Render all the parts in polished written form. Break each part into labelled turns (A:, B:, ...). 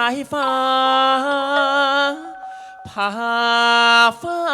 A: ายฟ้าผ่าฟ้า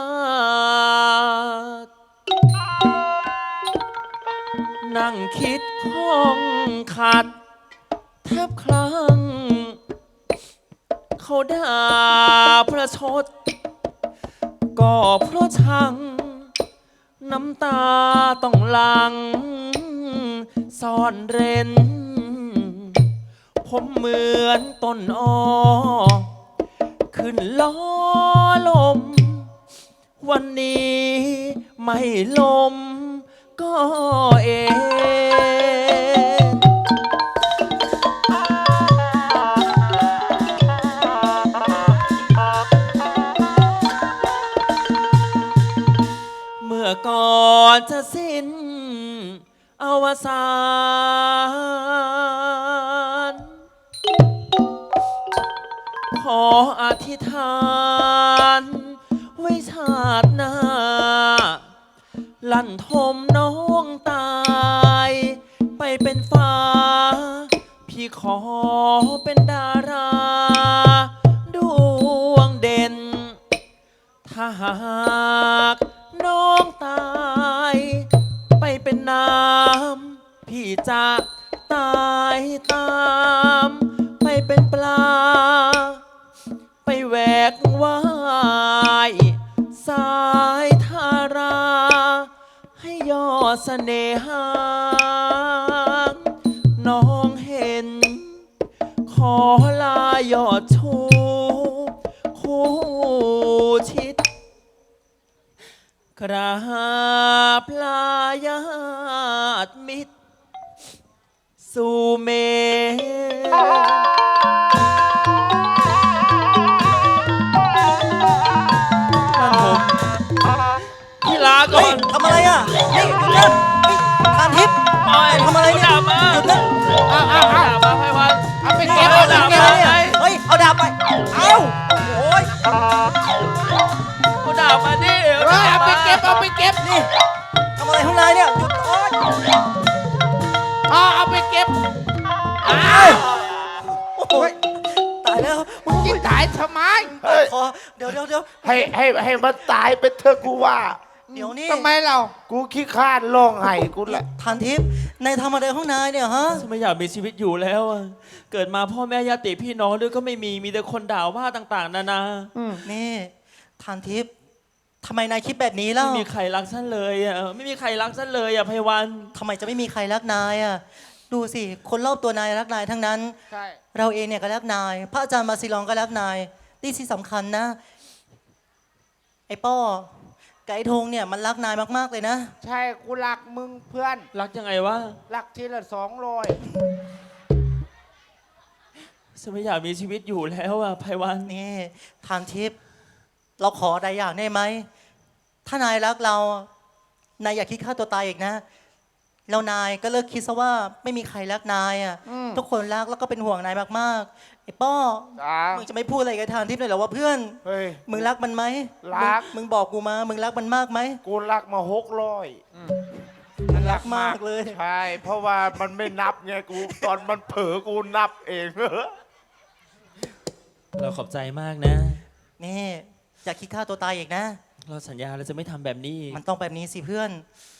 A: นั่งคิดข้องขัดแทบคลั่งเขาด่าประชดก็เพราะชังน้ำตาต้องหลังซ่อนเร้นผมเหมือนต้นอ้อขึ้นล้อลมวันนี้ไม่ลมก็เองเมื่อก่อนจะสิ้นอวสานขออธิษฐานไว้ชาติหน้าลั่นทมน้องตายไปเป็นฟ้าพี่ขอเป็นดาราดวงเด่นถ้าหากน้องตายไปเป็นน้ำพี่จะตายตามไปเป็นปลาไปแหวกว่ายสายทาราให้ยอดเสน่หาน้องเห็นขอลายอดชูคู่ชิดกราบลาญาติมิตรสู่เมพี่ลาก่อน
B: ทำอะไรอ่ะนี่หยุดนะทานทิพย์ทำอะไรเนี่ยหยุดนะ
A: เอาดาบมาไพวัน
C: เอาไปเก็บเอาดาบไป
B: เฮ้ยเอาดาบไปเอาโอ้ย
A: เอาดาบมาดิ
C: เอาไปเก็บเอาไปเก็บ
B: นี่ทำอะไรข้างในเนี่ยหยุดโอ๊ย
C: เอาไปเก็บ
B: โอ้ยตายแล้วมึง
C: กินถ่ายทำไม
B: ขอเดี๋ยว
D: ให้มันตายไปเถอะกูว่า
B: เดี๋ยวนี้
C: ทำไมเรา
D: กูขี้ข้านร้องไห้กูแหละ
B: ทานทิพย์ในทำอะไรข้างในเนี่ยฮะ
A: ฉันไม่อยากมีชีวิตอยู่แล้วเกิดมาพ่อแม่ญาติพี่น้องด้วยก็ไม่มีแต่คนด่าว่าต่างๆนานา
B: นี่ทานทิพย์ทำไมนายคิดแบบนี้เล่า
A: ไม่มีใครรักฉันเลยไม่มีใครรักฉันเลยไพวัน
B: ทำไมจะไม่มีใครรักนายดูสิคนรอบตัวนายรักนายทั้งนั้นเราเองเนี่ยก็รักนายพระอาจารย์มาซิลองก็รักนายนี่ที่สำคัญนะไอ้ป้อไก่ธงเนี่ยมันรักนายมากๆเลยนะ
C: ใช่กูรักมึงเพื่อน
A: รักยังไงวะ
C: รักทีละ200
A: ฉันไม่อยากมีชีวิตอยู่แล้วไพวัน
B: นี่ทานทิพย์เราขออะไรอย่างได้ไหมถ้านายรักเรานายอย่าคิดฆ่าตัวตายอีกนะแล้วนายก็เลิกคิดซะว่าไม่มีใครรักนายทุกคนรักแล้วก็เป็นห่วงนายมากๆไอ้ป้อมึงจะไม่พูดอะไรกับทานทิพย์เลยเหรอว่าเพื่อนมึงรักมันไหม
D: รัก
B: มึงบอกกูมามึงรักมันมากไหม
D: กูรักมา
B: มันรักมากเลย
D: ใช่เพราะว่ามันไม่นับไงกูตอนมันเผลอกูนับเอง
A: เราขอบใจมากนะ
B: นี่อย่าคิดฆ่าตัวตายอีกนะ
A: เราสัญญาเราจะไม่ทำแบบนี้
B: มันต้องแบบนี้สิเพื่อน